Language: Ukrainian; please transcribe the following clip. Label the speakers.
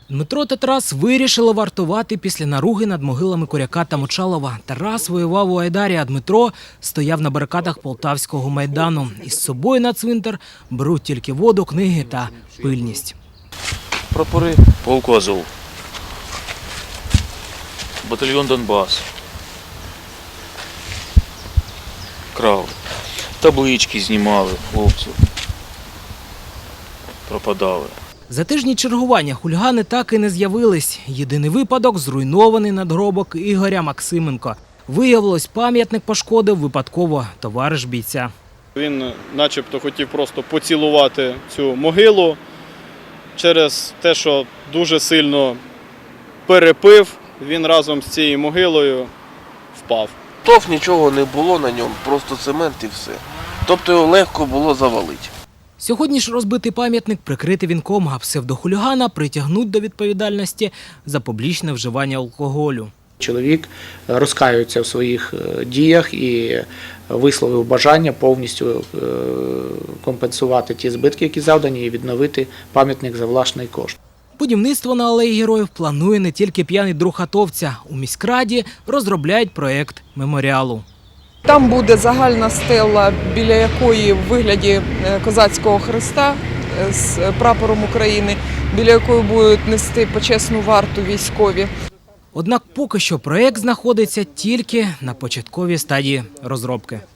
Speaker 1: Дмитро та Тарас вирішили вартувати після наруги над могилами Коряка та Мочалова. Тарас воював у Айдарі, а Дмитро стояв на барикадах Полтавського майдану. Із собою на цвинтар беруть тільки воду, книги та пильність.
Speaker 2: Прапори полку Азов, батальйон Донбас, крали, таблички знімали хлопців, пропадали.
Speaker 1: За тижні чергування хулігани так і не з'явились. Єдиний випадок – зруйнований надгробок Ігоря Максименко. Виявилось, пам'ятник пошкодив випадково товариш бійця.
Speaker 3: Він начебто хотів просто поцілувати цю могилу. Через те, що дуже сильно перепив, він разом з цією могилою впав.
Speaker 4: Нічого не було на ньому, просто цемент і все. Тобто його легко було завалити.
Speaker 1: Сьогодні ж розбитий пам'ятник прикрити вінком, а псевдохулігана притягнуть до відповідальності за публічне вживання алкоголю.
Speaker 5: Чоловік розкаюється в своїх діях і висловив бажання повністю компенсувати ті збитки, які завдані, і відновити пам'ятник за власний кошт.
Speaker 1: Будівництво на Алеї Героїв планує не тільки п'яний друг атовця. У міськраді розробляють проєкт меморіалу.
Speaker 6: Там буде загальна стела, біля якої в вигляді козацького хреста з прапором України, біля якої будуть нести почесну варту військові.
Speaker 1: Однак поки що проєкт знаходиться тільки на початковій стадії розробки.